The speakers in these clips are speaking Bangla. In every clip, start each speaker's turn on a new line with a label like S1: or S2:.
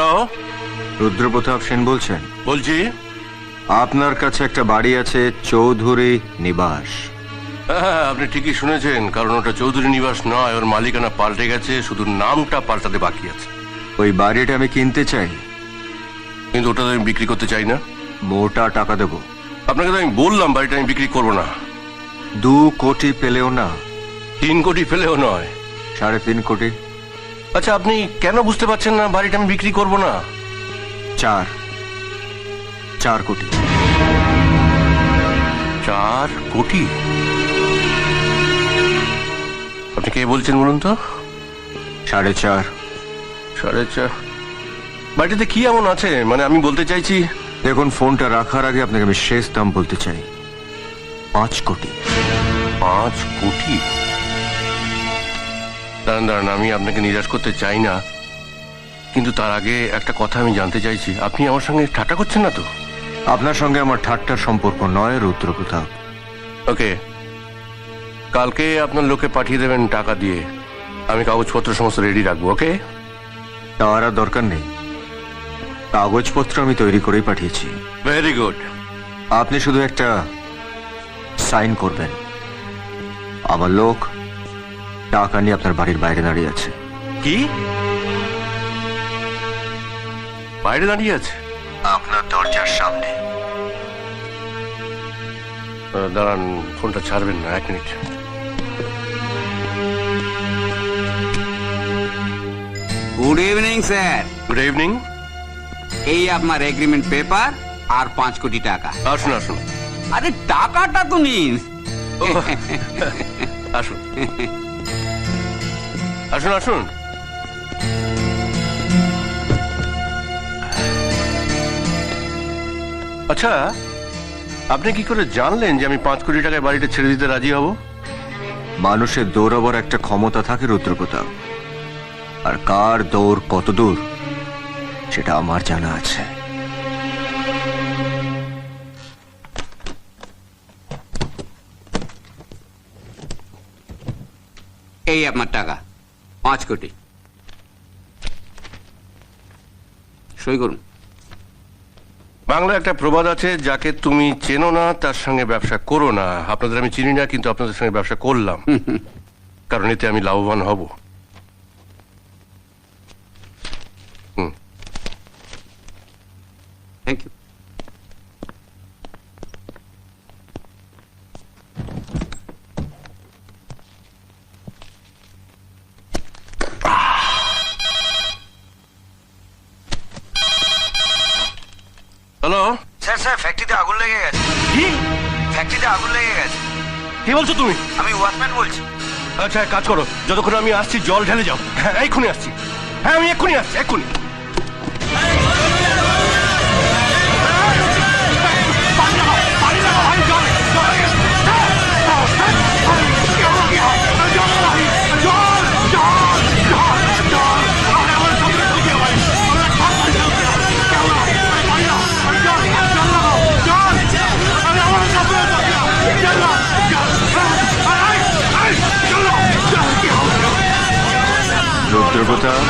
S1: হ্যালো,
S2: রুদ্রপ্রতাপ সেন বলছেন?
S1: বলছি।
S2: আপনার কাছে একটা বাড়ি আছে, চৌধুরী নিবাস।
S1: হ্যাঁ, আপনি ঠিকই শুনেছেন, কারণ ওটা চৌধুরী নিবাস নয়, ওর মালিকানা পাল্টে গেছে, শুধু নামটা পাল্টাতে বাকি আছে।
S2: ওই বাড়িটা আমি কিনতে চাই,
S1: কিন্তু ওটা তো আমি বিক্রি করতে চাই না।
S2: মোটা টাকা দেবো।
S1: আপনাকে তো আমি বললাম বাড়িটা আমি বিক্রি করবো না।
S2: 2 কোটি পেলেও না,
S1: 3 কোটি ফেলেও নয়।
S2: 3.5 কোটি।
S1: আচ্ছা, আপনি কেন বুঝতে পারছেন না বাড়িটা আমি বিক্রি করবো না?
S2: 4 কোটি।
S1: 4 কোটি? আপনি কে বলছেন বলুন তো?
S2: 4.5।
S1: 4.5? বাড়িটাতে কি এমন আছে, মানে আমি বলতে চাইছি।
S2: দেখুন, ফোনটা রাখার আগে আপনাকে আমি শেষ দাম বলতে চাই, 5 কোটি।
S1: 5 কোটি? দাঁড়ান দাঁড়ান, আমি আপনাকে নিরাশ করতে চাই না, কিন্তু তার আগে একটা কথা আমি জানতে চাইছি। আপনি আমার সঙ্গে ঠাট্টা করছেন না তো?
S2: আপনার সঙ্গে আমার ঠাট্টার সম্পর্ক নয় রুদ্রপ্রতাপ।
S1: ওকে, কালকে আপনার লোকে পাঠিয়ে দেবেন টাকা দিয়ে, আমি কাগজপত্র সমস্ত রেডি রাখবো। ওকে?
S2: তার আর দরকার নেই, কাগজপত্র আমি তৈরি করেই পাঠিয়েছি।
S1: Very good.
S2: আপনি শুধু একটা সাইন করবেন, আমার লোক টাকা নিয়ে আপনার বাড়ির বাইরে দাঁড়িয়ে আছে।
S1: কি? বাইরে দাঁড়িয়ে আছে?
S2: আপনার দরজার সামনে।
S1: দাঁড়ান, ফোনটা ছাড়বেন না, 1 minute.
S3: Good evening sir.
S1: Good evening.
S3: এই আপনার এগ্রিমেন্ট পেপার আর 5 কোটি টাকা।
S1: আসুন আসুন।
S3: আরে টাকাটা তো নিন।
S1: ও, আসুন আসুন আসুন। আচ্ছা, আপনি কি করে জানলেন যে আমি 5 কোটি টাকায় বাড়িটা ছেড়ে দিতে রাজি হব?
S2: মানুষের দৌড়াবার একটা ক্ষমতা থাকে রুদ্রপ্রতাপ, আর কার দৌড় কত দূর সেটা আমার জানা আছে।
S3: এই আপনার টাকা 5 কোটি, সই করুন।
S1: বাংলা একটা প্রবাদ আছে, যাকে তুমি চেনো না তার সঙ্গে ব্যবসা করো না। আপনাদের আমি চিনি না, কিন্তু আপনাদের সঙ্গে ব্যবসা করলাম, কারণ এতে আমি লাভবান হব।
S3: Thank you.
S1: হ্যালো
S2: স্যার, ফ্যাক্টরিতে আগুন লেগে গেছে।
S1: কি?
S2: ফ্যাক্টরিতে আগুন লেগে গেছে।
S1: কি বলছো তুমি?
S2: আমি ওয়াচম্যান বলছি।
S1: আচ্ছা, এক কাজ করো, যতক্ষণ আমি আসছি জল ঢেলে যাও। হ্যাঁ, এক্ষুনি আসছি। হ্যাঁ, আমি এক্ষুনি আসছি, এক্ষুনি।
S2: রুদ্রপ্রতাপ,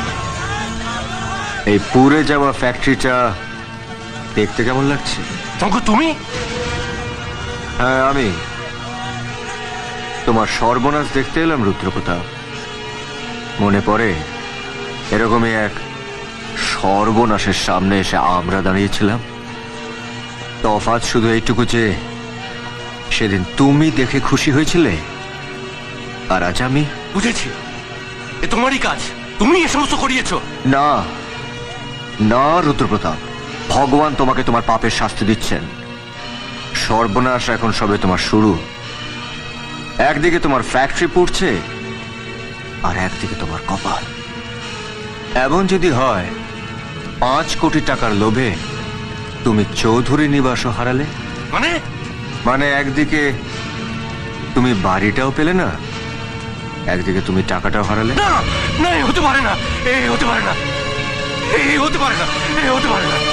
S2: এই পুড়ে যাওয়া ফ্যাক্টরিটা দেখতে কেমন লাগছে?
S1: শঙ্কর, তুমি?
S2: হ্যাঁ, আমি তোমার সর্বনাশ দেখতে এলাম রুদ্রপ্রতাপ। মনে পড়ে এরকমই এক সর্বনাশের সামনে এসে আমরা দাঁড়িয়েছিলাম। তফাৎ শুধু এইটুকু যে সেদিন তুমি দেখে খুশি হয়েছিলে, আর আজ আমি।
S1: বুঝেছি, এ তোমারই কাজ, তুমি এ সমস্ত করিয়েছো।
S2: না না রুদ্রপ্রতাপ, ভগবান তোমাকে তোমার পাপের শাস্তি দিচ্ছেন। সর্বনাশ এখন সবে তোমার শুরু। একদিকে তোমার ফ্যাক্টরি পুড়ছে, আর একদিকে তোমার কপাল। এমন যদি হয় 5 কোটি টাকার লোভে তুমি চৌধুরী নিবাসও হারালে, মানে একদিকে তুমি বাড়িটাও পেলে না, একদিকে তুমি টাকাটাও হারালে।
S1: না না, এ হতে পারে না, এ হতে পারে না, এ হতে পারে না, এ হতে পারে না।